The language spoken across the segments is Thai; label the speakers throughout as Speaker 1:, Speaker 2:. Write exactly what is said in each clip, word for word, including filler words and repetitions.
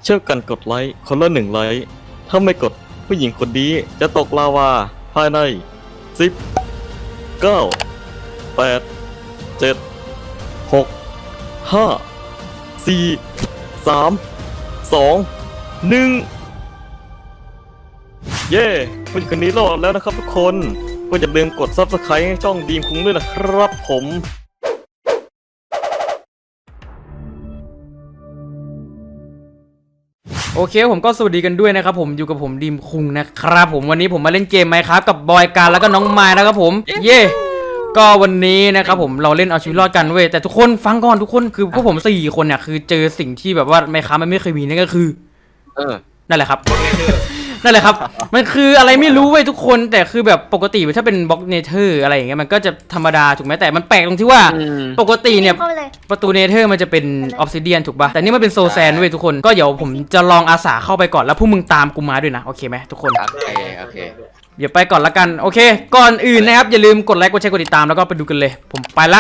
Speaker 1: เชื่อกันกดไลค์คนละหนึ่งไลค์ถ้าไม่กดผู้หญิงคนนี้จะตกลาวาภายในสิบ เก้า แปด เจ็ด หก ห้า สี่ สาม สอง หนึ่งเย้ผู้หญิงคนนี้รอดแล้วนะครับทุกคนก็อย่าลืมกด ซับสไครบ์ ให้ช่องดีมคุ้งด้วยนะครับผม
Speaker 2: โอเคผมก็สวัสดีกันด้วยนะครับผมอยู่กับผมดีมคุงนะครับผมวันนี้ผมมาเล่นเกมไหมครับกับบอยการแล้วก็น้องไม้นะครับผมเย่ก็วันนี้นะครับผมเราเล่นเอาชีวิตรอดกันเว้ยแต่ทุกคนฟังก่อนทุกคนคือพวกผมสี่คนเนี่ยคือเจอสิ่งที่แบบว่าไม่ค้ามันไม่เคยมีนั่นก็คือเออนั่นแหละครับ นั่นแหละครับมันคืออะไรไม่รู้เว้ยทุกคนแต่คือแบบปกติถ้าเป็นบล็อกเนเธอร์อะไรอย่างเงี้ยมันก็จะธรรมดาถูกไหมแต่มันแปลกตรงที่ว่าปกติเนี่ยประตูเนเธอร์มันจะเป็นออฟซิเดียนถูกป่ะแต่นี่มันเป็นโซแซนเว้ยทุกคนก็เดี๋ยวผมจะลองอาสาเข้าไปก่อนแล้วพวกมึงตามกูมาด้วยนะโอเคไหมทุกคน
Speaker 3: โอเคโอเค
Speaker 2: เดี๋ยวไปก่อนละกันโอเคก่อนอื่นนะครับอย่าลืมกดไลค์กดแชร์กดติดตามแล้วก็ไปดูกันเลยผมไปละ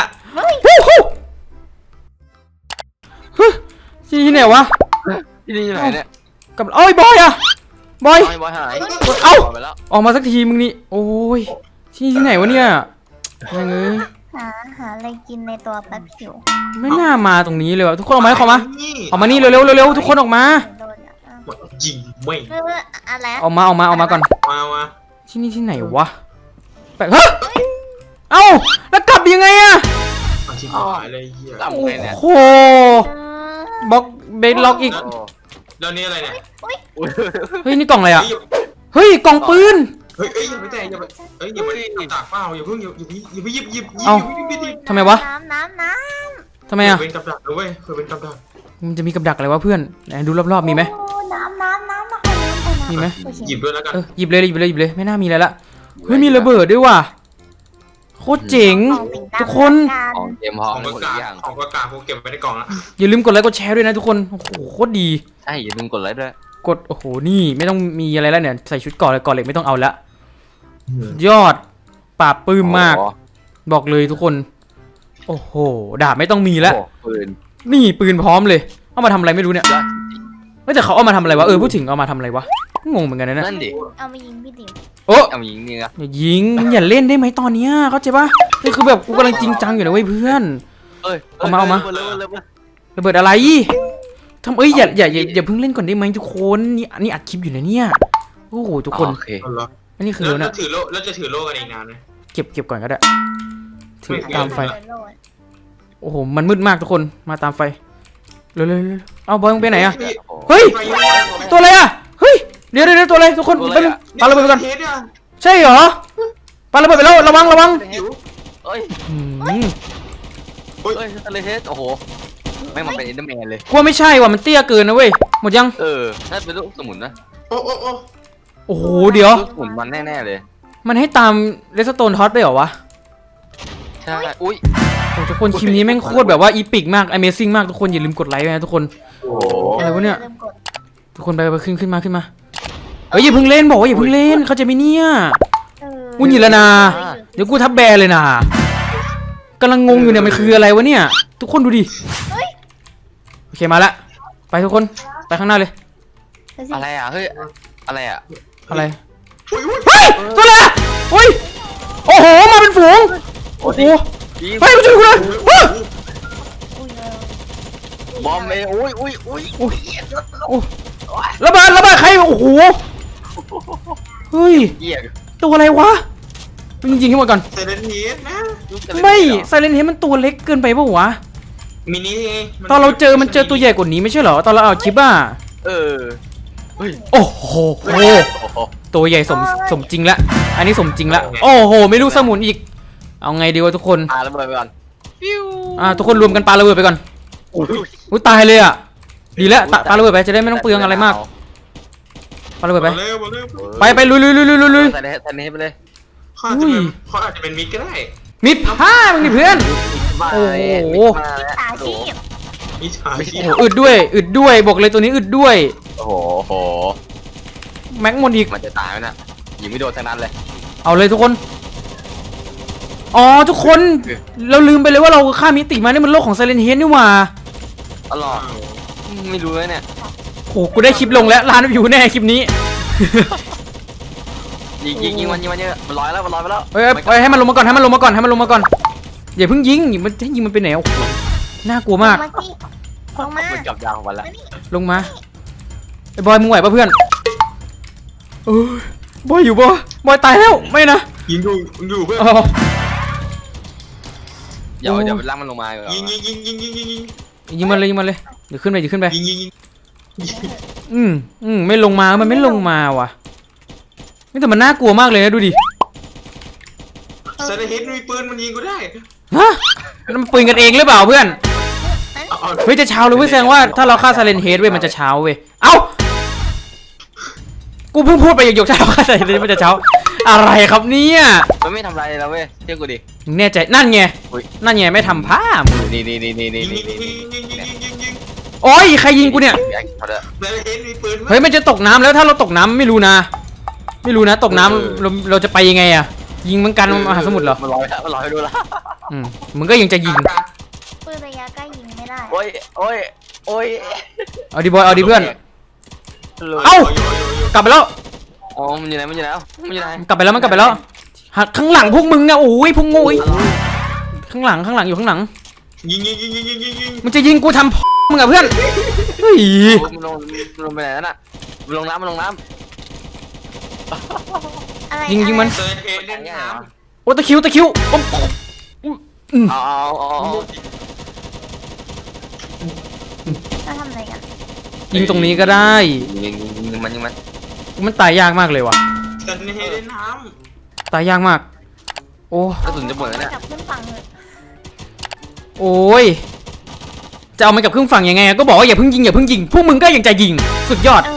Speaker 2: ที่ที่ไหนวะ
Speaker 3: ที่นี่ไหนเนี่ย
Speaker 2: กับโอ้ยบอยอะบอย
Speaker 3: บอยหาย
Speaker 2: เอ้าออกมาสักทีมึงนี่โอ้ยที่ที่ไหนวะเนี่ยยังไง
Speaker 4: หาหาอะไรกินในตัวแป๊บผิว
Speaker 2: ไม่น่ามาตรงนี้เลยวะทุกคนออกมาขอมาออกมานี่เร็วเร็วเร็วทุกคนออกมา
Speaker 5: ยิงไม่
Speaker 4: อะไร
Speaker 2: ออกมาออกมาออกมาก่อน
Speaker 5: มามา
Speaker 2: ที่นี่ที่ไหนวะแปลกเฮ้ยเอ้าแล้วกลับยังไงอะ
Speaker 5: ชิบหายเลยเหี้ย
Speaker 2: โอ้โหบล็อกเบสล็อกอีก
Speaker 5: แล้วนี่อะไรเนี่ย
Speaker 2: เฮ้ยนี่กล่องอะไรอ่ะเฮ้ยกล่องปืน
Speaker 5: เฮ้ยเอ้ยอย่าไปแตะอย่าไปเอ้ยอย่าไปตากเปล่าอย่าเพิ่งอย่าอย่าอย่าไปหยิบหยิบหยิบ
Speaker 2: เอ้าทำไมวะ
Speaker 4: น้ำน้ำน้
Speaker 2: ำทำไมอ่ะ
Speaker 5: เป็นกับดักด้วยเคยเป็นกับดัก
Speaker 2: มันจะมีกับดักอะไรวะเพื่อนไหนดูรอบๆมีไหม
Speaker 4: น้ำน้ำน้ำน้
Speaker 2: ำมีไหม
Speaker 5: หยิบด้วยแล้วกัน
Speaker 2: เออหยิบเลยหยิบเลยหยิบเลยไม่น่ามีอะไรละเฮ้ยมีระเบิดด้วยว่ะโคตรเจ๋งทุกคน
Speaker 3: ของเกมห้อง
Speaker 5: ของกากของกากผมเก็บไว้ในกล่องละ
Speaker 2: อย่าลืมกดไลค์กดแชร์ด้วยนะทุกคนโอ้โหโคตรดี
Speaker 3: ใช่อย่าลืมกดไลค์ด้วย
Speaker 2: กดโอ้โหนี่ไม่ต้องมีอะไรแล้วเนี่ยใส่ชุดก่อนเลยก่อนเหล็กไม่ต้องเอาละยอดปราบปื้มมากบอกเลยทุกคนโอ้โหดาบไม่ต้องมีแล้ว
Speaker 3: ปืน
Speaker 2: นี่ปืนพร้อมเลยเอามาทำอะไรไม่รู้เนี่ยไม่แต่เขาเอามาทำอะไรวะเออพูดถึงเอามาทำอะไรวะงงเหมือนกันนะ
Speaker 3: นั่นดิ
Speaker 4: เอามายิงพี่ติ๋ม
Speaker 2: โอ้
Speaker 3: เอามายิงนี่นะ
Speaker 2: อย่ายิงอย่าเล่นได้ไหมตอนเนี้ยเข้าใจปะนี่คือแบบกูกำลังจริงจังอยู่นะเว้ยเพื่อนเอามาเอามาระเบิดอะไรทำเอ้ยอย่าอย่าอย่าอย่าเพิ่งเล่นก่อนได้ไหมทุกคนนี่อันนี้อัดคลิปอยู่นะเนี่ยโอ้โหทุกคนอันนี้คือ
Speaker 5: แล้วถือโล่แล้วจะถือโล่กันอีกนานไหม
Speaker 2: เก็บเก็บก่อนก็ได้ถือตามไฟโอ้โหมันมืดมากทุกคนมาตามไฟเร็วๆเอาบอยมึงไปไหนอะเฮ้ยตัวอะไรอะเฮ้ยเดี๋ยวเดี๋ยวตัวอะไรทุกคนไปปาระเบิดไปก่อนใช่เหรอปาระเบิดไปแล้วระวังระวัง
Speaker 3: เฮ้ยเฮ้ยทะเลเทสโอ้โหไม่มาเป็นเอ็นเดอร์แมนเลย
Speaker 2: กลัวไม่ใช่ว่ะมันเตี้ยเกินนะเว้ยหมดยัง
Speaker 3: เออถ้าเป็นลูกสมุนนะ
Speaker 5: โอ้โอ้โอ้
Speaker 2: โอ้โหเดี๋ยว
Speaker 3: สมุนมันแน่ๆเลย
Speaker 2: มันให้ตามเรสโตนท็อตไปเหรอวะ
Speaker 3: ใช่อุ้ย
Speaker 2: ทุกคนคลิปนี้แม่งโคตรแบบว่าอีพิกมาก Amazing มากทุกคนอย่าลืมกดไลค์นะทุกคนอะไรวะเนี่ยทุกคนไปไปขึ้นขึ้นมาขึ้นมาเฮ้ยอย่าเพิ่งเล่นบอกว่าอย่าเพิ่งเล่นเขาจะไม่เนี่ยกูหยิบแล้วนะเดี๋ยวกูทับแบร์เลยนะกำลังงงอยู่เนี่ยมันคืออะไรวะเนี่ยทุกคนดูดิโอเคมาละไปทุกคนไปข้างหน้าเลย
Speaker 3: อะไรอ่ะเฮ้ยอะไรอ่ะ
Speaker 2: อะไรเฮ้ยตัวอะไรอ่ะเฮ้ยโอ้โหมาเป็นฝูงโอ้โหเฮ้ยมาช่วยกูเลย
Speaker 3: บอมเอ้ยอุ้ยอุ้ยอุ้ย
Speaker 2: อุ้ยระเบิดระเบิดใครโอ้โหเฮ้ยตัวอะไรวะจริงๆให้หมดก่อน
Speaker 5: ไซเลนเฮดนะ
Speaker 2: ไม่ไซเลนเฮดมันตัวเล็กเกินไปป่ะวะ
Speaker 5: มินิ
Speaker 2: ตอนเราเจอมันเจอตัวใหญ่กว่านี้ไม่ใช่เหรอตอนเราเอาคลิปอ่ะ
Speaker 3: เออ
Speaker 2: โอ้โหตัวใหญ่สมสมจริงละอันนี้สมจริงละโอ้โหไม่รู้สมุนอีกเอาไงดีวะทุกคน
Speaker 3: ปาระเบิดไปก่อน
Speaker 2: อ่าทุกคนรวมกันปาระเบิดไปก่อนอุ้ยตายเลยอ่ะดีแล้วปาระเบิดไปจะได้ไม่ต้องเปลืองอะไรมากปาระเบิดไปไปไปลุยลุยลุยลุยลุยลุย
Speaker 3: ใส่ในใส่ในไปเลย
Speaker 5: เขาอาจจะเป็นเขาอาจจะเป็นมิดก็ได้
Speaker 2: มิดผ้ามึงนี่เพื่อนโอ้โห
Speaker 5: มิดขาชีพ
Speaker 2: อึดด้วยอึดด้วยบอกเลยตัวนี้อึดด้วย
Speaker 3: โอ้โห
Speaker 2: แม็กมอนอีก
Speaker 3: มันจะตายไหมนะยิงไม่โดนทั้งนั้นเลย
Speaker 2: เอาเลยทุกคนอ๋อทุกคนเราลืมไปเลยว่าเราข้ามมิติมานี่มันโลกของไซเลนเฮดนี่หว่า
Speaker 3: อ๋อไม่รู้เลยเนี่ย
Speaker 2: โคกูได้คลิปลงแล้วล้านวิวแน่คลิปนี้
Speaker 3: ยิงยิงยิงมันยิงมันเยอะมันลอยแล้วมันลอยไปแล้ว
Speaker 2: เฮ้ยเฮ้ยให้มันลงมาก่อนให้มันลงมาก่อนให้มันลงมาก่อนอย่าเพิ่งยิงมันจะยิงมันไปไหนโอ้โหน่ากลัวมาก
Speaker 4: ลงมาสิลงมา
Speaker 3: มันจับยางของมันแล้ว
Speaker 4: มานี่
Speaker 2: ลงมาไอ้บอยมึงไหวปะเพื่อนเออบอยอยู่ปะบอยตายแล้วไม่นะ
Speaker 5: ยิงอยู่ยิงอยู่เพื่อน
Speaker 2: อ๋อ
Speaker 3: เดี๋ยวเดี๋ยวลากมันลงมาก่อน
Speaker 5: ยิงยิงยิงยิงยิงยิงยิง
Speaker 2: ยิงมันเลยยิงมันเลยเดี๋ยวขึ้นไปเดี๋ยวขึ้นไป
Speaker 5: ยิงยิงยิง
Speaker 2: อืมอืมไม่ลงมามันไม่ลงมาว่ะนี่แต่มันน่ากลัวมากเลยนะดูดิ
Speaker 5: เซเลเฮดมีปืนมันยิงกูได้
Speaker 2: ฮะมันปืนกันเองหรือเปล่าเพื่อน
Speaker 5: เอาเอา
Speaker 2: เฮ้ยจะเช้าเลยเว้ยแสดงว่าถ้าเราฆ่าซาเลนเฮดเว้ยมันจะเช้าเว้ยเอ้ากูเพิ่งพูดไปหยกๆถ้าเราฆ่าซาเลนเฮดมันจะเช้าอะไรครับเนี่ย
Speaker 3: มันไม่ทำอะไรเราเว้ยเชื่อกูดิ
Speaker 2: มึงแน่ใจนั่นไง
Speaker 3: อุ๊ย
Speaker 2: นั่นไงไม่ทำผ้ามึง
Speaker 3: นี่นี่นี่นี่นี่
Speaker 5: ยิง
Speaker 3: นี่
Speaker 5: ยิง
Speaker 3: นี่
Speaker 5: ยิงยิงยิงยิงยิงยิง
Speaker 2: โอ้ยใครยิงกูเนี่ย
Speaker 3: เขาเด้อ
Speaker 5: เซเลเฮดมีปืน
Speaker 2: เฮ้ยมันจะตกน้ำแล้วถ้าเราตกน้ำไม่รู้นะ ไม่รู้นะตกน้ำเราเราจะไปยังไงอะยิงเหมือนกันมหาสมุทรเหรอ
Speaker 3: มันลอยมันลอยไปดูละ
Speaker 2: อืมมึงก็ยังจะยิง
Speaker 4: ปืนระยะใกล้ยิงไม่ได้
Speaker 3: โอ้ยโอ้ยโอ้ย
Speaker 2: เอาดิบอยเอาดิเพื่อน
Speaker 3: เอ้า
Speaker 2: เอ้า
Speaker 5: โยโยโยโย
Speaker 2: กลับไปแล้ว
Speaker 3: อ๋อมันอยู่ไหนมันอยู่ไหนมันอยู่ไหน
Speaker 2: กลับไปแล้วมันกลับไปแล้วหักข้างหลังพวกมึงอะโอ้ยพวกโง่ยข้างหลังข้างหลังอยู่ข้างหลัง
Speaker 5: ยิงยิงยิงยิงยิงยิงยิง
Speaker 2: มันจะยิงกูทำ มึงอะเพื่อนเฮ้ย
Speaker 3: มันลงมันลงไปไหนนั่นน่ะมันลงน้ำมันลงน้
Speaker 4: อะไร
Speaker 2: ยิงยิงมัน
Speaker 5: เซเลเฮด
Speaker 3: ำ
Speaker 5: เล่นน้
Speaker 2: โอ้ตะคริวตะคริวโอ้อืม
Speaker 3: เอาเอาเอาเอา
Speaker 4: เราทำอะไรกัน
Speaker 2: ยิงตรงนี้ก็ได้
Speaker 3: ยิงยิงยิงมันยิงมัน
Speaker 2: มันตายยากมากเลยว่ะ
Speaker 5: ำเซเลเฮดเล่นน้
Speaker 2: ตายยากมาก โอ้
Speaker 3: กระสุนจะหมดแล้วเนี่ย
Speaker 4: จับขึ้นฝั่งเลย
Speaker 2: โอ้ยจะเอามันกลับเครื่องฝั่งยังไงอะก็บอกว่าอย่าเพิ่งยิงอย่าเพิ่งยิงพวกมึงก็ยังจะยิงสุดยอด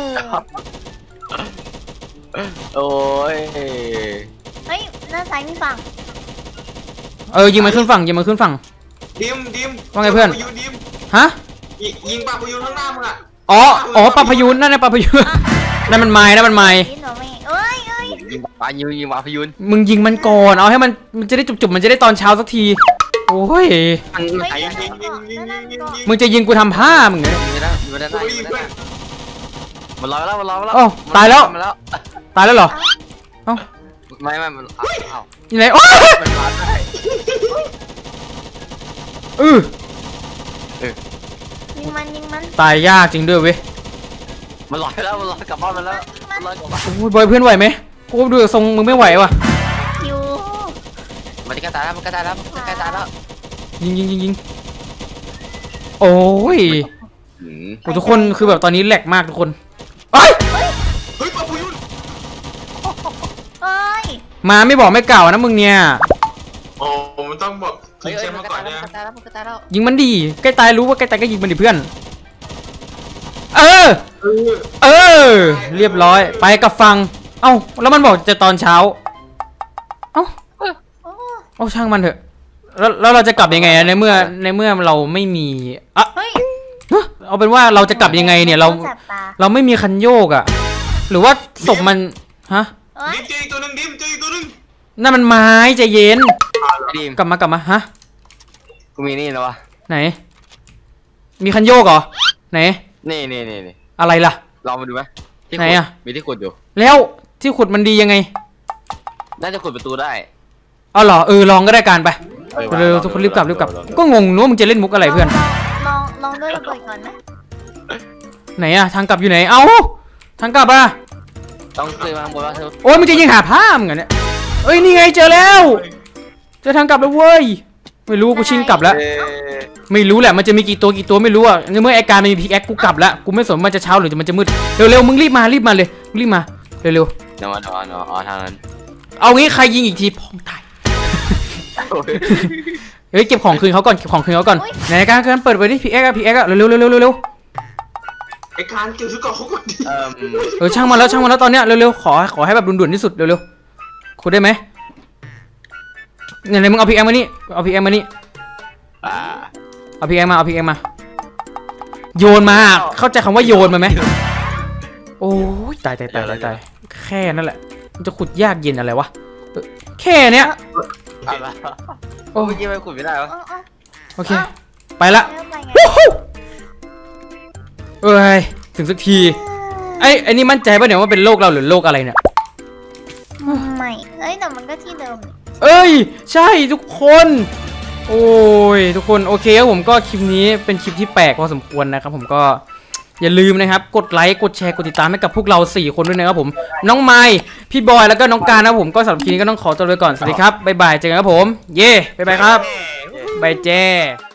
Speaker 4: เออ
Speaker 3: โอ้ย
Speaker 4: เฮ้ยด้านซ้ายมีฝั่ง
Speaker 2: เออยิงมันขึ้นฝั่งยิงมันขึ้นฝั่ง
Speaker 5: ำดิมดิม
Speaker 2: ว่าไงเพื่อน
Speaker 5: ปาพยูดิม
Speaker 2: ฮะ
Speaker 5: ยิงยิงปลาพยูนข้างหน้ามึงอ่ะ
Speaker 2: อ๋ออ๋อปลาพยูนนั่นนะปลาพยูนนั่นมันไม้นั่นมันไม้
Speaker 4: นิดหน่อยไม่เอ้ยเอ้ย
Speaker 3: ยิงปลายิงยิงปลาพยูน
Speaker 2: มึงยิงมันก่อนเอาให้มันมันจะได้จุบๆมันจะได้ตอนเช้าสักทีโอ้ย
Speaker 3: มัน
Speaker 4: เฮ้ย
Speaker 3: ไอ้
Speaker 4: ยิง
Speaker 3: ยิง
Speaker 4: เกาะนั่นนั่นเกาะ
Speaker 2: มึงจะยิงกูทำผ้ามึงเนี่ย
Speaker 3: ยิงนะยิงได้ยิงได้มันลอยแล้วมันลอยแล้ว
Speaker 2: โอ้ตายแล้ว
Speaker 3: มันแล้ว
Speaker 2: ตายแล้วเหรอเอ้า
Speaker 3: ไม่ไม่มันเอา
Speaker 2: อยู่ไหนโอ้ย
Speaker 3: มันมาได้
Speaker 2: เออ
Speaker 4: ยิงมันยิงมัน
Speaker 2: ตายยากจริงด้วยเว้ย
Speaker 3: มันลอยแล้วมันลอยกลับบ้านมันแล้วมันลอยกลับบ้าน
Speaker 2: โอ้ยบอยเพื่อนไหวไหมกูดูทรงมึงไม่ไหวว่ะ
Speaker 4: คิว
Speaker 3: มันจะกระตายแล้วมันกระตายแล้วมันกระตายแล้ว
Speaker 2: ยิงยิงยิงยิงโอ้ย
Speaker 3: อืม
Speaker 2: โอ้ทุกคนคือแบบตอนนี้แหลกมากทุกคนเอ้ย
Speaker 5: เฮ้ยปลาพยูน
Speaker 4: เอ้ย
Speaker 2: มาไม่บอกไม่กล่าวนะมึงเนี่ย
Speaker 5: โอ้มันต้องบอก
Speaker 3: เฮ้
Speaker 5: ทิ้
Speaker 3: ย
Speaker 5: ง
Speaker 3: เฮ้
Speaker 5: แช
Speaker 3: ย
Speaker 5: มป์
Speaker 3: มัน
Speaker 5: มาก
Speaker 3: ระ
Speaker 5: ก่อ
Speaker 3: ตาน ยแล้ว
Speaker 5: นะ
Speaker 3: มันกระตายแล้วมันกระตายแล้ว
Speaker 2: ยิงมันดีใกล้ตายรู้ว่าใกล้ตายก็ยิงมันดิเพื่อน เออ
Speaker 5: เออ
Speaker 2: เออ เรียบร้อยไปกับฟัง เอ้าแล้วมันบอกจะตอนเช้า เอ้า
Speaker 4: โอ้
Speaker 2: เอาช่างมันเถอะ แล้วแล้วเราจะกลับยังไงอะในเมื่อในเมื่อเราไม่มีอะ
Speaker 4: เฮ้ย
Speaker 2: เฮ้ยเอาเป็นว่าเราจะกลับยังไงเนี่ยเรา
Speaker 4: จับตา
Speaker 2: เราไม่มีคันโยกอะหรือว่าศพมันฮะ
Speaker 4: เอ้ย
Speaker 5: ดิมเจออีกตัวหนึ่งดิมเจออีกตัวหนึ่ง
Speaker 2: นั่นมันไม้ใจเย็น
Speaker 3: ดีม
Speaker 2: กลับมากลับมาฮะ
Speaker 3: กูมีนี่แล้ววะ
Speaker 2: ไหน มีคันโยกเหรอไหน
Speaker 3: นี่นี่นี่นี่
Speaker 2: อะไรล่ะ
Speaker 3: ลองมาดูไหมที่
Speaker 2: ไหน
Speaker 3: ขุด
Speaker 2: อะ
Speaker 3: มีที่ขุดอยู่
Speaker 2: แล้วที่ขุดมันดียังไง
Speaker 3: น่าจะขุดประตูได้
Speaker 2: เอาเหรอเออลองก็ได้การไป
Speaker 3: ออ
Speaker 2: เร็วๆทุกคนรีบกลับรีบกลับก็งงนู้ว่ามึงจะเล่นมุกอะไรเพื่อน
Speaker 4: ลองลองด้วยระเบิดก่อนไหม
Speaker 2: ไหนอะทางกลับอยู่ไหนเอ้าทางกลับอะ
Speaker 3: ต้องขึ้นมาข้างบนว่าเธอ
Speaker 2: โอ้ยมึงจะยิงหาผ้ามึงเหรอเนี่ยเอ้ยนี่ไงเจอแล้วเจอทางกลับแล้วเว้ยไม่รู้กูชิงกลับแล้ว
Speaker 3: เอ๊ะ
Speaker 2: ไม่รู้แหละมันจะมีกี่ตัวกี่ตัวไม่รู้อะในเมื่อไอการมันมีพิกแอคกูกลับแล้วกูไม่สนมันจะเช้าหรือมันจะมืดเร็วๆมึงรีบมารีบมาเลยมึงรีบมาเร็ว
Speaker 3: เดี๋ยวมาเดี๋ยวมาเดี๋ยวมาอ๋อทางนั้น
Speaker 2: ๆเอางี้ใครยิงอีกทีพองตาย
Speaker 3: โอ้ย
Speaker 2: เฮ้ยเก็บของคืนเขาก่อนเก็บของคืนเขาก่อนไหนการการเปิดไปดิพิกแอคอะพิกแอคอะเร็วๆเร็วๆเร็ว
Speaker 5: ไอ้การเกี่ยวชุดเกาะเขาก่อนดิ
Speaker 3: เอ่ม
Speaker 2: ๆเออช่างมันแล้วช่างมันแล้วตอนเนี้ยเร็วๆขอขอให้แบบด่วนๆที่สุดเร็วๆขุดได้ไหมไหนๆมึงเอาพิกแอคมานี่เอาพิกแอคมานี่
Speaker 3: อ่า
Speaker 2: เอาพิกแอคมาเอาพิกแอคมาโยนมาเข้าใจคำว่าโยนมาไหมโอ้ยตายตายตายตายตายแค่นั่นแหละมันจะขุดยากเย็นอะไรวะเออแค่เนี้ย
Speaker 3: เอาละ
Speaker 2: โอ้
Speaker 3: เมื่อกี้ไม่ขุดไม่ได้วะ
Speaker 4: เออเออ
Speaker 2: โอเคไปละ
Speaker 4: แล้วไปไง
Speaker 2: วู้ฮู้เอ้ยถึงสักทีไอ้ไอ้นี่มั่นใจป่ะเนี่ยว่าเป็นโลกเราหรือโลกอะไรเนี่ย
Speaker 4: ไม่เอ้ยแต่มันก็ที่เดิมนี่
Speaker 2: เอ้ยใช่ทุกคนโอ้ยทุกคนโอเคครับผมก็คลิปนี้เป็นคลิปที่แปลกพอสมควรนะครับผมก็อย่าลืมนะครับกดไลค์กดแชร์กดติดตามให้กับพวกเราสี่คนด้วยนะครับผมน้องไมค์พี่บอยแล้วก็น้องการนะครับผมก็สำหรับคลิปนี้ก็ต้องขอตัวไปก่อนสวัสดีครับบ๊ายบายเจอกันครับผมเย่บ๊ายบายครับบายเจ้